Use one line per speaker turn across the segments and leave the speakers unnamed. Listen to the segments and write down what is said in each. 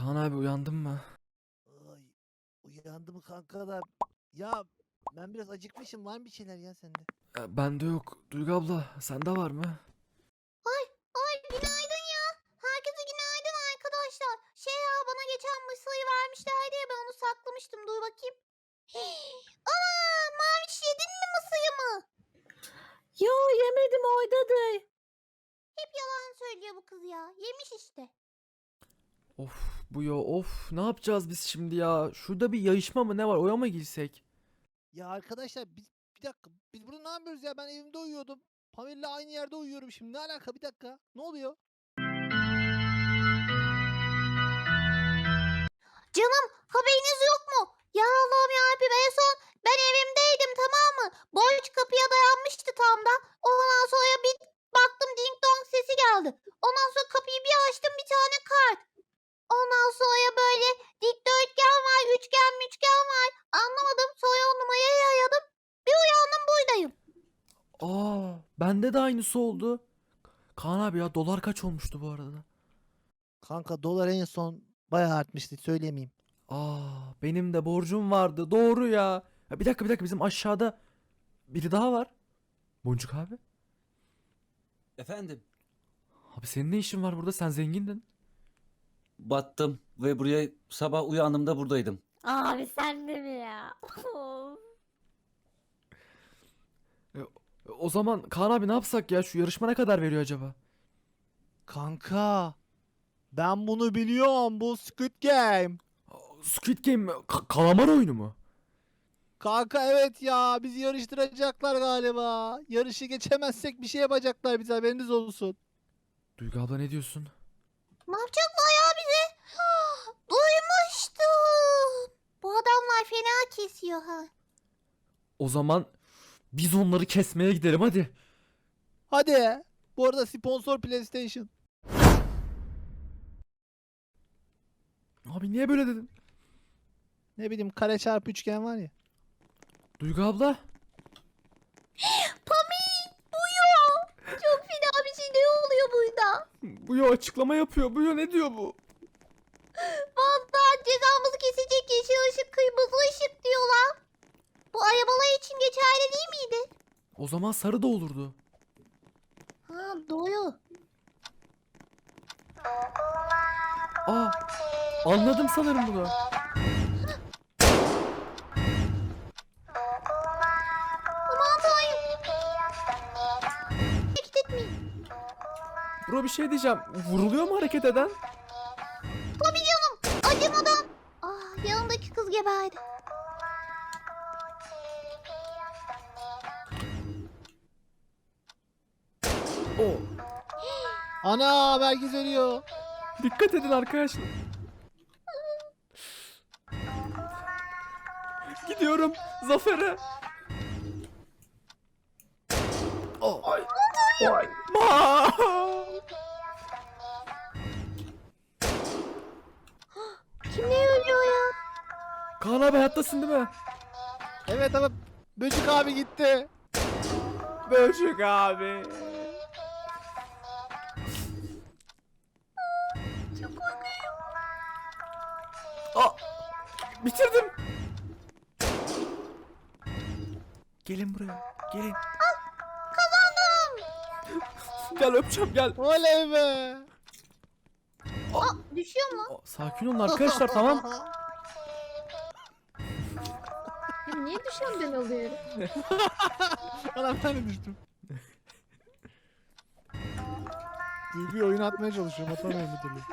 Kaan abi uyandın mı?
Ay, uyandım kanka da. Ya ben biraz acıkmışım. Var mı bir şeyler ya sende?
Bende yok. Duygu abla sende var mı?
Ay, ay günaydın ya. Herkese günaydın arkadaşlar. Şey ya bana geçen mısırı vermişlerdi ya ben onu saklamıştım. Dur bakayım. Aa, Maviş yedin mi mısırımı?
Yo yemedim oydadır.
Hep yalan söylüyor bu kız ya. Yemiş işte.
Of bu ya of ne yapacağız biz şimdi ya? Şurada bir yayışma mı ne var? Oya mı girsek?
Ya arkadaşlar biz bir dakika. Biz burada ne yapıyoruz ya? Ben evimde uyuyordum. Pamir'le aynı yerde uyuyorum şimdi. Ne alaka? Bir dakika. Ne oluyor?
Canım haberiniz yok mu? Ya Allah'ım yarabbim en son ben evimdeydim tamam mı? Borç kapıya dayanmıştı tam da. Ondan sonra bir baktım ding dong sesi geldi. Ondan sonra kapıyı bir açtım bir tane kart. Ondan sonra böyle dikdörtgen var, üçgen müçgen var. Anlamadım. Sonra o numarayı aradım. Bir uyandım buradayım.
Bende de aynısı oldu. Kaan abi ya dolar kaç olmuştu bu arada?
Kanka dolar en son bayağı artmıştı. Söylemeyeyim.
Benim de borcum vardı. Doğru ya. Bir dakika bizim aşağıda biri daha var. Boncuk abi.
Efendim,
Abi senin ne işin var burada? Sen zengindin.
battım ve buraya sabah uyandığımda buradaydım.
Abi sen de mi ya? Of.
O zaman Kaan abi ne yapsak ya? Şu yarışma ne kadar veriyor acaba?
Kanka. Ben bunu biliyorum. Bu Squid Game.
Squid Game mi? Kalamar oyunu mu?
Kanka evet ya. Bizi yarıştıracaklar galiba. Yarışı geçemezsek bir şey yapacaklar bize. Haberiniz olsun.
Duygu abla ne diyorsun?
Ne yapacaklar ya bize? Duymuştum. Bu adamlar fena kesiyor ha.
O zaman biz onları kesmeye gidelim hadi.
Hadi. Bu arada sponsor PlayStation.
Abi niye böyle dedin?
Ne bileyim kare çarpı üçgen var ya.
Duygu abla.
Pamik buyo. Çok fena bir şey ne oluyor burada?
Bu ya açıklama yapıyor. Bu ya ne diyor bu?
Vallahi cezamızı kesecek yeşil ışık kırmızı ışık diyorlar. Bu arabalar için geçerli değil miydi?
O zaman sarı da olurdu.
Ha doğru.
Anladım sanırım bunu.
Aman tanrım. Hareket etmeyin.
Bro bir şey diyeceğim. Vuruluyor mu hareket eden?
Tabii canım. Acımadan. Yanımdaki kız geberdi.
O.
Ana herkes ölüyor.
Dikkat edin arkadaşlar. Gidiyorum zafere. Ay. Ay.
Kim ne ölüyor ya?
Kaan abi hayattasın değil mi?
Evet ama Böcük abi gitti.
Böcük abi.
Çok korkuyorum.
Bitirdim. Gelin buraya. Gelin.
Kazandım.
Gel öpeceğim gel.
Oley be.
Düşüyor mu?
Sakin olun arkadaşlar tamam.
Ya niye düşen ben oluyorum?
Ana ben de düştüm. Duygu'yu oyun atmaya çalışıyorum. Atamıyorum bir türlü.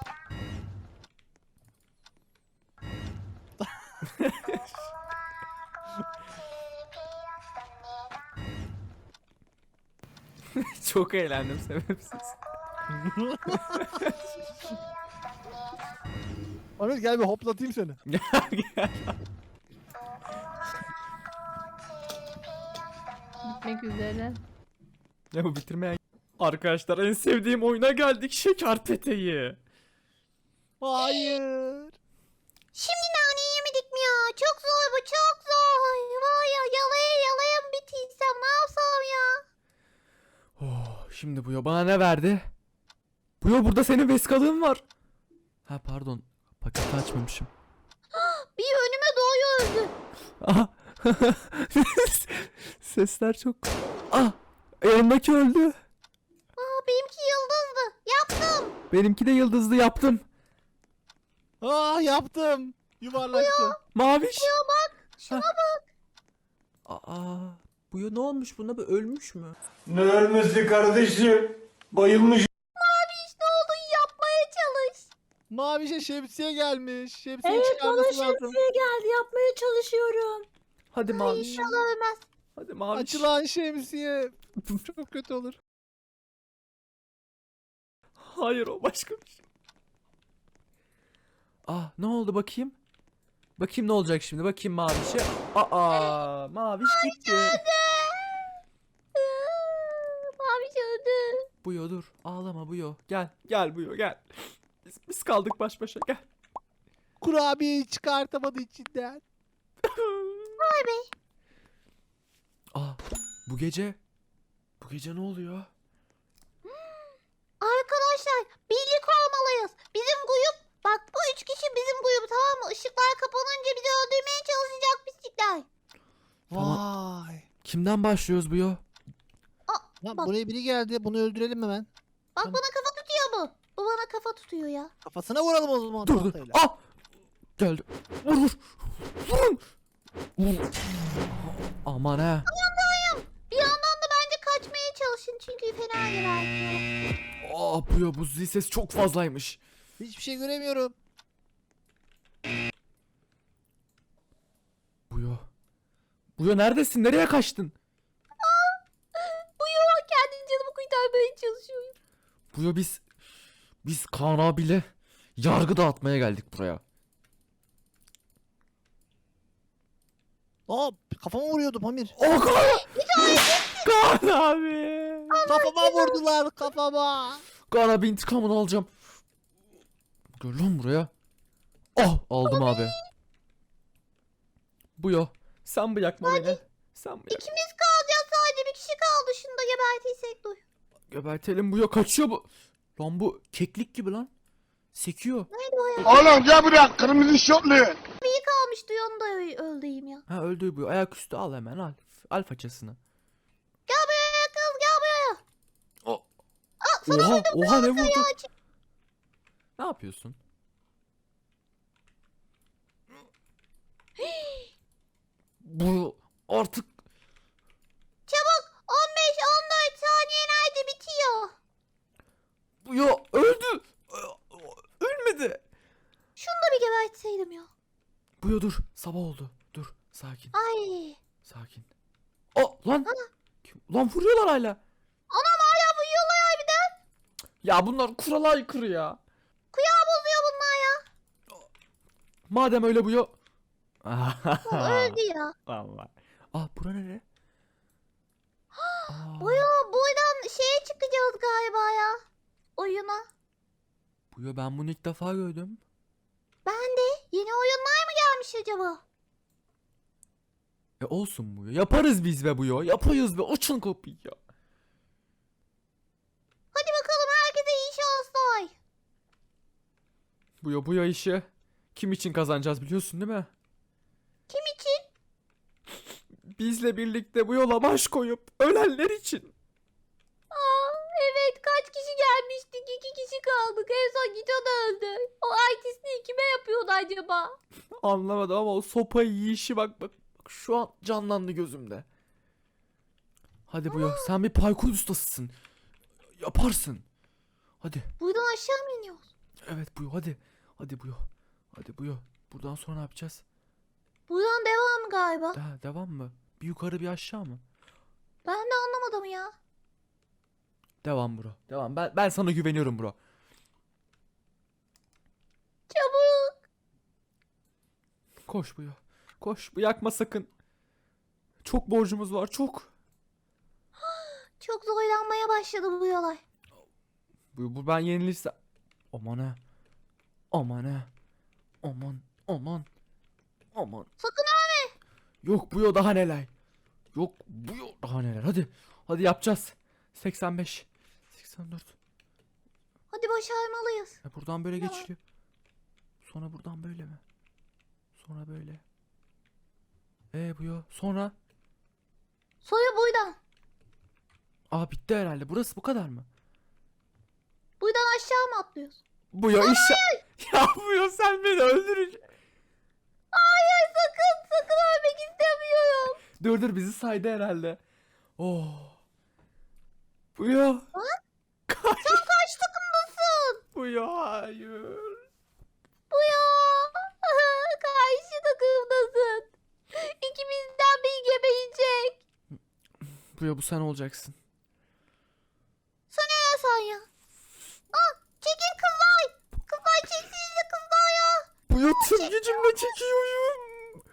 Çok eğlendim sebepsiz.
Ahmet gel bir hoplatayım seni.
Gel.
Bitmek üzere.
Ya bu bitirmeyen... Arkadaşlar en sevdiğim oyuna geldik. Şekerpete'yi.
Hayır.
Şimdi nane yemedik mi ya? Çok zor bu çok zor. Var ya yalaya mı bitirsem ne yapsam ya?
Şimdi bu ya bana ne verdi? Bu ya burada senin veskalığın var. Ha pardon. Paketi açmamışım.
Bir önüme doğuyor öldü.
Aha. Sesler çok... Ah! Yanındaki öldü.
Benimki yıldızdı. Yaptım.
Benimki de yıldızlı yaptım.
Yaptım. Yuvarlaktı.
Maviş.
Ya bak. Şuna
Ha.
bak.
Aa, bu ya ne olmuş buna? Bu ölmüş mü?
Ne ölmesi kardeşim? Bayılmış.
İşte oldu, yapmaya çalış.
Mavişe şemsiye gelmiş. Şemsiye
Evet, bana
çıkarması lazım.
şemsiye geldi. Yapmaya çalışıyorum.
Hadi Maviş.
İnşallah ölmez.
Hadi Maviş.
Açılan şemsiye. Çok kötü olur.
Hayır, o başka bir şey. Ah, ne oldu bakayım? Bakayım ne olacak şimdi? Bakayım Maviş'e. Aa, Maviş gitti.
Maviş öldü.
Buyo dur. Ağlama Buyo. Gel. Gel Buyo gel. Biz kaldık baş başa, gel.
Kurabiyeyi çıkartamadı içinden.
Vay be.
Aa, bu gece ne oluyor?
Arkadaşlar birlik olmalıyız. Bizim grup, bak bu 3 kişi bizim grup, tamam mı? Işıklar kapanınca bizi öldürmeye çalışacak pislikler.
Tamam.
Vay.
Kimden başlıyoruz Buyo?
Lan
Bak.
buraya biri geldi. Bunu öldürelim hemen.
Bak
Tamam.
bana kafa tutuyor bu. Bu bana kafa tutuyor ya.
Kafasına vuralım o zaman.
Dur dur.
tahtayla.
Ah! Geldi. Vur vur. Vurun. Vur. Aman ha.
Bir yandan da bence kaçmaya çalışın çünkü fena gebertiyor.
Aa Buyo, bu zil ses çok fazlaymış.
Hiçbir şey göremiyorum.
Buyo. Buyo neredesin? Nereye kaçtın?
Bu yuva kendi canımı kurtarmaya çalışıyor.
Buyo, biz Kaan abiyle yargı dağıtmaya geldik buraya.
Kafama vuruyordu Pamir.
O Kaan! Kaan abi!
Kafama vurdular kafama.
Kaan abi intikamını alacağım. Gel lan buraya. Oh, aldım abi. Buyo, sen bırakma beni. Sen bırak.
İkimiz kalacağız, sadece bir kişi kaldı. Şunu da gebertiysek dur.
Gebertelim Buyo, kaçıyor bu. Lan bu keklik gibi lan. Sekiyor.
Neydi o ya?
Oğlum gel buraya kırmızı şortlu.
Bir kalmıştı, onu da öldüreyim ya.
Ha, öldü Buyo. Ayaküstü al hemen, al. Al façasını.
Gel buraya kız, gel buraya.
O.
Sana
Oha, oha ne vurdu?
Ya,
Ne yapıyorsun? Bu artık
çabuk, 15-14 saniye nerede bitiyor?
Buyo öldü. Ölmedi.
Şunu da bir gebertseydim ya.
Buyo dur. Sabah oldu. Dur. Sakin.
Ay.
Sakin. O lan. Lan vuruyorlar hala.
Anam hala uyuyorlar harbiden.
Ya bunlar kurala aykırı ya.
Kuyağı bozuyor bunlar ya.
Madem öyle Buyo.
O öldü ya.
Vallahi. Ah, bura nere? Aa,
Buyo, buradan şeye çıkacağız galiba ya. Oyuna.
Buyo, ben bunu ilk defa gördüm.
Ben de. Yeni oyunlar mı gelmiş acaba?
Olsun Buyo. Yaparız biz be Buyo. Yapıyoruz be. Açın kapıyı ya.
Hadi bakalım, herkese iyi şanslar.
Buyo işi kim için kazanacağız biliyorsun değil mi?
Kim için?
Bizle birlikte bu yola baş koyup ölenler için.
Evet, kaç kişi gelmiştik? 2 kişi kaldık. En son Gito da öldü. O artistliği kime yapıyordu acaba?
Anlamadım ama o sopa yiyişi bak şu an canlandı gözümde. Hadi Buyo, sen bir parkur ustasısın. Yaparsın. Hadi.
Buradan aşağı mı iniyoruz?
Evet Buyo, hadi. Hadi Buyo. Hadi Buyo. Buradan sonra ne yapacağız?
Buradan devam galiba.
Devam mı? Bir yukarı bir aşağı mı?
Ben de anlamadım ya.
Devam bro. Devam. Ben sana güveniyorum bro.
Çabuk.
Koş Buyo. Koş. Yakma sakın. Çok borcumuz var, çok.
Çok zorlanmaya başladı bu yollar.
Bu ben yenilirsem. Aman ha. Aman ha. Aman.
Sakın ölme.
Yok Buyo, daha neler. Yok Buyo, daha neler. Hadi yapacağız. 85. 84.
Hadi başarmalıyız.
Buradan böyle
Tamam.
geçiliyor. Sonra buradan böyle mi? Sonra böyle. Bu ya. Sonra.
Sonra buradan.
Aa bitti herhalde. Burası bu kadar mı?
Buradan aşağı mı atlıyoruz?
Bu ya Ya bu ya sen beni öldüreceksin.
Hayır sakın ölmek istemiyorum.
Dur bizi saydı herhalde. Oh. Bu ya.
Sen kaç takımdasın?
Bu ya hayır.
Bu ya. Karşı takımdasın. İkimizden biri gebeyecek.
Bu ya bu sen olacaksın.
Sana ne sen ya? Çekin kızlar. Kızlar çeksinize kızlar ya.
Bu ya tüm gücümle çekiyorum.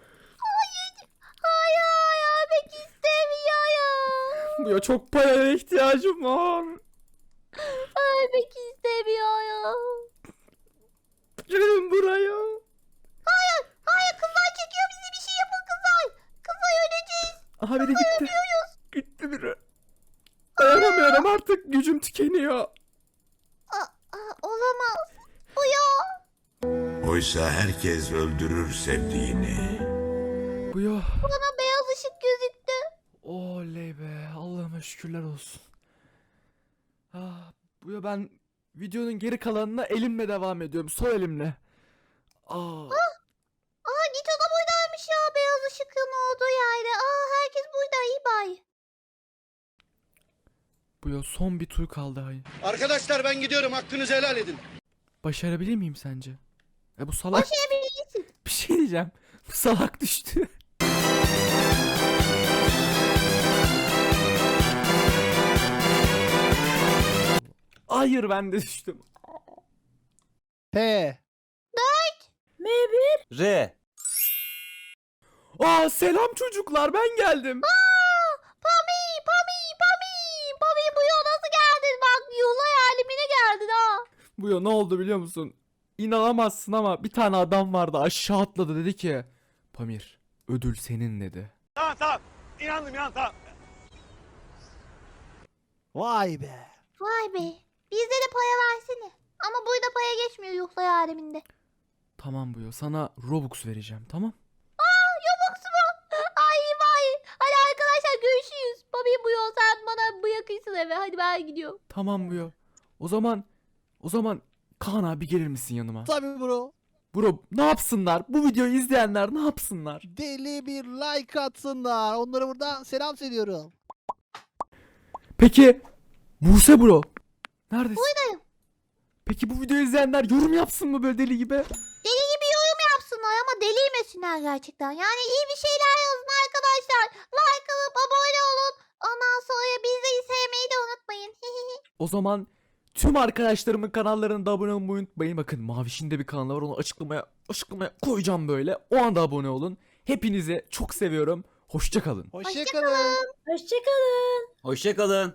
Hayır ölmek istemiyorum.
Bu ya çok paraya ihtiyacım var.
Ölmek istemiyorum.
Gelin buraya.
Hayır kızlar çekiyor bizi bir şey yapın kızlar. Kızlar öleceğiz.
Aha biri gitti. Gitti biri. Dayanamıyorum artık gücüm tükeniyor.
Olamaz. Bu ya.
Oysa herkes öldürür sevdiğini.
Bu ya.
Bana beyaz ışık gözüktü.
Oley be. Allah'ıma şükürler olsun. Bu ya ben videonun geri kalanına elimle devam ediyorum. Sol elimle.
Git o da buradaymış ya beyaz ışıkın olduğu yerde. Herkes burada iyi bay.
Bu ya son bir tur kaldı hay.
Arkadaşlar ben gidiyorum, hakkınızı helal edin.
Başarabilir miyim sence? Bu salak.
Başarabilirsin.
Bir şey diyeceğim. Bu salak düştü. Hayır ben de düştüm.
P.
M1.
R.
Selam çocuklar ben geldim.
Pami. Pami bu yol nasıl geldin? Bak yolay alemine geldin ha.
Bu ya ne oldu biliyor musun? İnanamazsın ama bir tane adam vardı aşağı atladı dedi ki Pamir ödül senin dedi.
Tamam. İnandım tamam.
Vay be.
Vay be. Bizde de paya versene. Ama burada paya geçmiyor yolay aleminde.
Tamam bu ya sana Robux vereceğim tamam.
Yobux mu? Ay vay. Hadi arkadaşlar görüşürüz. Pami bu yol sen bana bırakırsın eve. Hadi ben gidiyorum.
Tamam bu ya. O zaman Kaan abi gelir misin yanıma?
Tabii bro.
Bro ne yapsınlar? Bu videoyu izleyenler ne yapsınlar?
Deli bir like atsınlar. Onlara buradan selam söylüyorum.
Peki Buse bro. Neredesin?
Buradayım.
Peki bu videoyu izleyenler yorum yapsın mı böyle deli gibi?
Deli gibi yorum yapsınlar ama deliymesinler gerçekten. Yani iyi bir şeyler yazın arkadaşlar. Like alıp abone olun. Ondan sonra bizleri sevmeyi de unutmayın.
O zaman tüm arkadaşlarımın kanallarına da abone olmayı unutmayın. Bakın Maviş'in de bir kanalı var onu açıklamaya koyacağım böyle. O anda abone olun. Hepinizi çok seviyorum. Hoşça kalın.
Hoşçakalın.
Hoşçakalın.
Hoşça kalın.